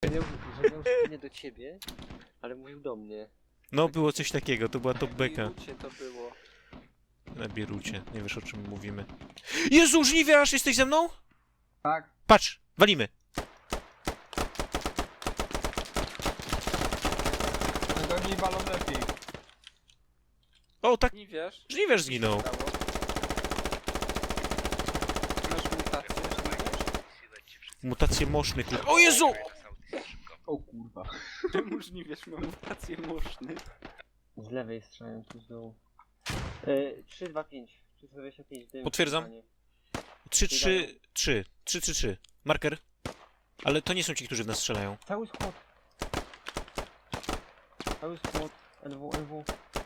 że miał nie do ciebie, ale mówił do mnie. No, było coś takiego, to była top beka. To było. Na Bierucie, nie wiesz o czym mówimy. Jezu, żniwiarz, jesteś ze mną? Tak. Patrz, walimy. No to mi balon lepiej. O, tak, Nie wiesz? żniwiarz zginął. Masz mutację, że nie wiesz? Mutacje moszny, kurwa. O Jezu! O kurwa. Czemu nie wiesz, ma mutację moszny? Z lewej strzelają tu z dołu. 3, 2, 5. 325 dym. Potwierdzam. 3-3-3. 3-3-3. Marker. Ale to nie są ci, którzy w nas strzelają. Cały skład. Cały skład. LW, LW.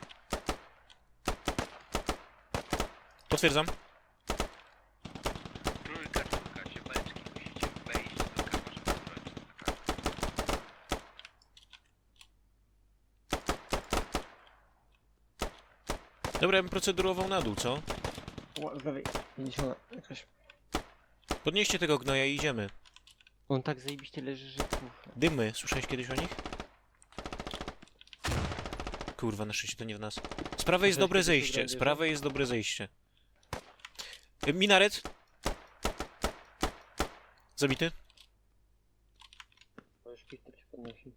Potwierdzam. Trójka, się beczki, musicie wejść do kamerze, żeby bronić. Dobra, ja bym procedurował na dół, co? Z lewej. 50 jakaś. Podnieście tego gnoja i idziemy. On tak zajebiście leży, że kurwa. Dymy, słyszałeś kiedyś o nich? Kurwa, na szczęście to nie w nas. Z prawej jest dobre zejście, z prawej jest dobre zejście. Minaret. Zabity. To już Peter się podnosi.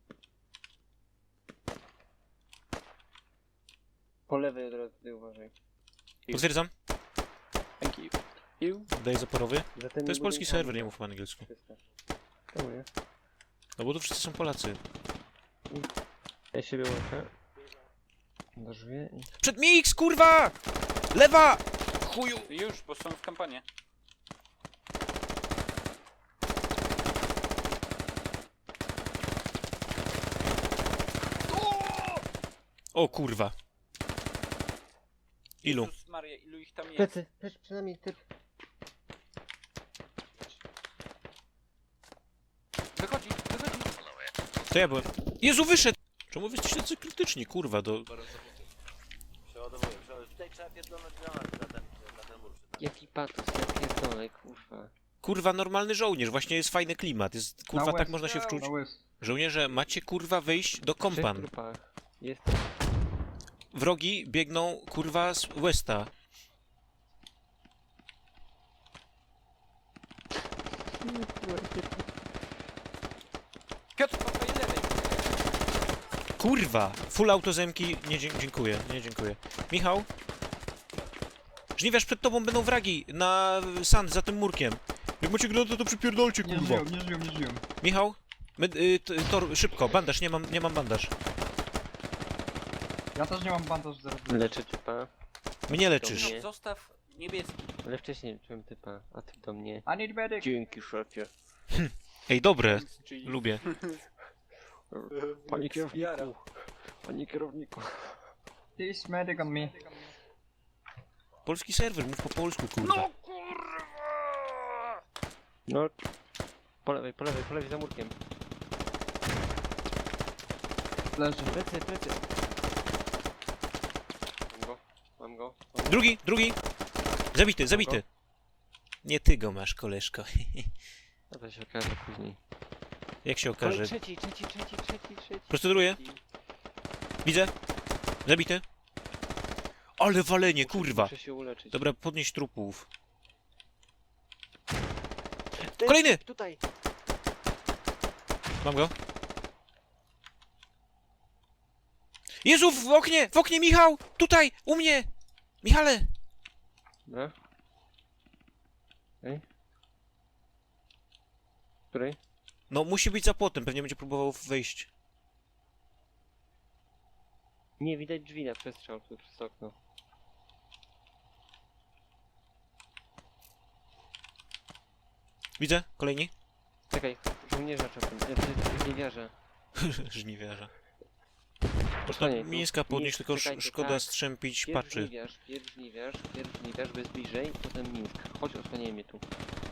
Po lewej od razu tutaj uważaj. Potwierdzam. Thank you. You? Daję zaporowy. Za tymi To jest polski budynkami. serwer, nie mów po angielsku. Czemu nie? No bo tu wszyscy są Polacy. Ja siebie łączę. Drzwi i... Przed mix, kurwa! Lewa! Chuju! Już, bo są w kampanii. O kurwa. Ilu? Jezus Maria, ilu ich tam jest? Plecy, też przynajmniej typ. Wychodzi, wychodzi. To ja byłem. Jezu, wyszedł! Czemu wy jesteście tacy krytyczni, kurwa, do... Przeładowuję. Tutaj trzeba pierdolnąć granat na ten mur. Jaki patos, ja pierdolę, kurwa. Kurwa, normalny żołnierz, właśnie jest fajny klimat, jest, kurwa, tak west. można się wczuć. Na łys. Żołnierze, macie, kurwa, wyjść do W kompan. trupach. Jest. Wrogi biegną, kurwa, z Westa. Piotr, po twojej lewej. Kurwa! Full auto zemki, nie dziękuję, nie dziękuję. Michał? Żniwiarz, przed tobą będą wragi na sand za tym murkiem. Jak macie granatę, to przypierdolcie, Nie kurwa. żyją, nie żyją, nie żyją. Michał? Tor, szybko, bandaż, nie mam bandaż. Ja też nie mam bandaż zaraz. Leczę typa, Mnie leczysz. Dobrze. Zostaw niebieski. ale wcześniej leczyłem typa, a ty do mnie. I need medic. Dzięki, szefie. Ej, dobre, Czyli... lubię. Panie Jara. kierowniku. Panie kierowniku. Please medic on me. Polski serwer, mów po polsku, kurwa. No. Po lewej za murkiem. Leży. Plecy, plecy. Mam go. Drugi! Zabity. Nie ty go masz, koleżko. A to się okaże później. Jak się okaże. Trzeci. Proceduruję. Widzę. Zabity. Ale walenie, kurwa. Muszę się uleczyć. Dobra, podnieś trupów. Ty, Kolejny! Tutaj! Mam go. Jezu, w oknie, Michał! Tutaj, u mnie! Michale! Dobra. Ej. Której? No, musi być za płotem, pewnie będzie próbował wejść. Nie, widać drzwi na przestrzał tu przez okno. Widzę, kolejni. Czekaj, żołnierza trzeba żniwiarza. Żniwiarza. Osłaniaj tu. Mińska podnieść, Mińsk, tylko czekajcie, szkoda tak. strzępić Pierw paczy. żniwiarz, bez bliżej, potem Mińsk. Chodź, osłaniaj mnie tu.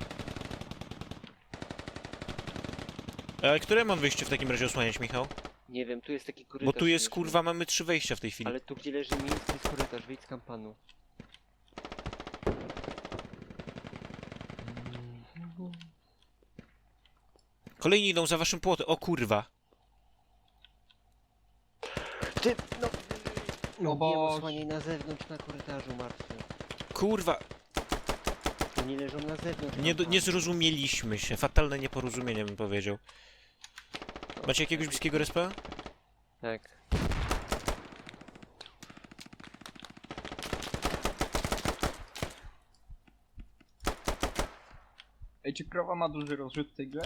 A które mam wyjście w takim razie osłaniać, Michał? Nie wiem, tu jest taki korytarz. Bo tu jest, śmieszny. kurwa, mamy 3 wejścia w tej chwili. Ale tu gdzie leży Mińsk jest korytarz, wyjdź z kampanu. Kolejni idą za waszym płotem. O kurwa. Ty, no... No No bo- wiem, osłaniaj na zewnątrz, na korytarzu, martwy. Kurwa. Oni leżą na zewnątrz. Nie zrozumieliśmy się. Fatalne nieporozumienie bym powiedział. Macie jakiegoś bliskiego respa? Tak. Ej, czy krowa ma duży rozrzut w tej grze?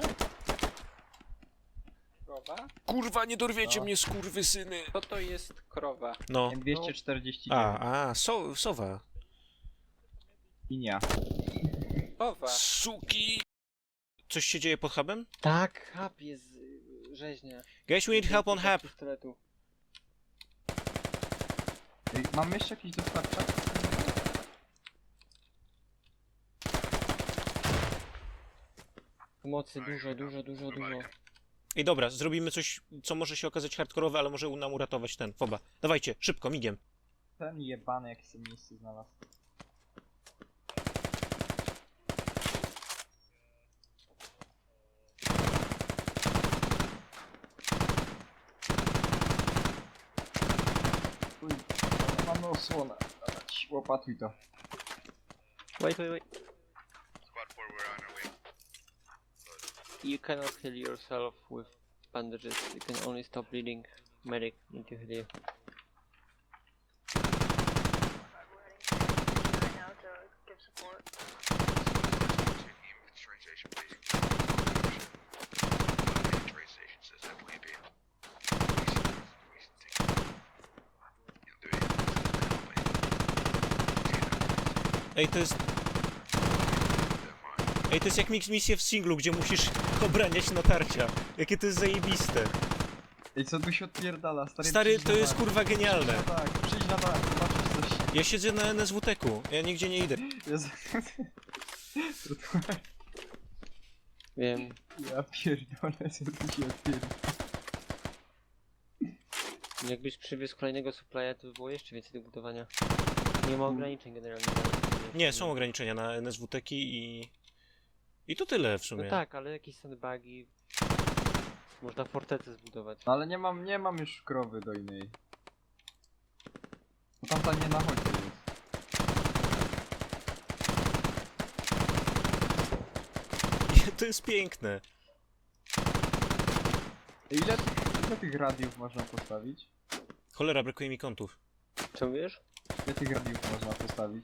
Krowa? Kurwa, nie dorwiecie No. mnie, skurwysyny. Co to jest krowa? No. M249. Sowa. Linia. Krowa. Suki. Coś się dzieje pod hubem? Tak, hub jest rzeźnia. Guys, we need help on hub. Pistoletu. Ej, mam jeszcze jakiś dostawca? Pomocy dużo. Ej, dobra, zrobimy coś, co może się okazać hardkorowe, ale może nam uratować ten. Foba. Dawajcie, szybko, migiem. Ten jebany, jakie sobie miejsce znalazł. Uj, mamy osłonę. Dawać, łopatuj to. Wait. Squad 4, we're on our way. You cannot heal yourself with bandages. You can only stop bleeding. Medic, need to heal you. right now to give support. Team, train station, please. Train station says that way, be. Ej, to jest... Ej, to jest jak misje w singlu, gdzie musisz obraniać natarcia. Jakie to jest zajebiste. Ej, co tu się odpierdala? Stary, przyjdź to na jest dach. kurwa genialne. Przyjdź na dach, zobaczysz coś. Ja siedzę na NSWT-ku, ja nigdzie nie idę. Jezu. Wiem. Ja pierdolę, co tu się odpierdala. Jakbyś przywiózł kolejnego supplya, to by było jeszcze więcej do budowania. Nie ma ograniczeń generalnie. Nie, są ograniczenia na NSWT-ki i... I to tyle w sumie. No tak, ale jakieś sandbagi... Można fortecę zbudować. No ale nie mam już krowy do innej. Bo tamta nie na chodzie jest. To jest piękne. Ej, ile tych radiów można postawić? Cholera, brakuje mi kątów. Co wiesz? Ile tych radiów można postawić?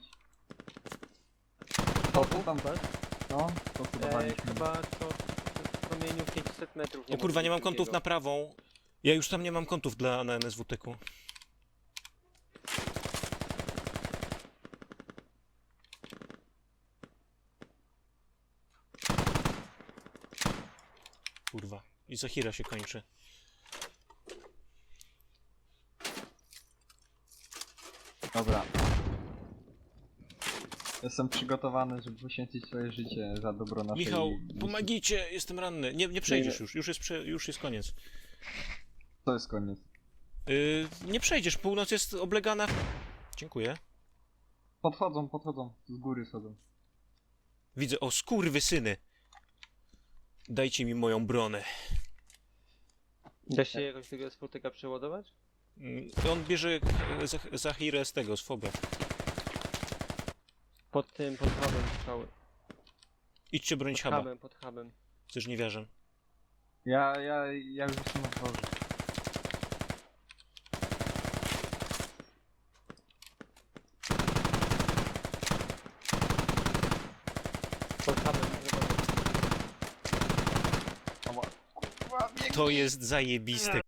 To tam tak? No, to budowaliśmy. Chyba to w promieniu 500 metrów. O kurwa, nie mam ma kątów na prawą. Ja już tam nie mam kątów na NSWT-ku. Kurwa. I Zahira się kończy. Dobra. Jestem przygotowany, żeby poświęcić swoje życie za dobro naszej... Michał, misji. pomagicie, jestem ranny. Nie przejdziesz już, już jest koniec. To jest koniec. Nie przejdziesz, północ jest oblegana. Dziękuję. Podchodzą, z góry schodzą. Widzę, o skurwysyny. Dajcie mi moją bronę. Da się jakoś tego spotyka przeładować? On bierze Zahirę z tego, z Foba. Pod hubem strzały. Idźcie bronić Pod huba, pod hubem. ze żniwiarzem. Ja już jestem na dworze. Pod hubem. Ała, kurwa, bieg... To jest zajebiste,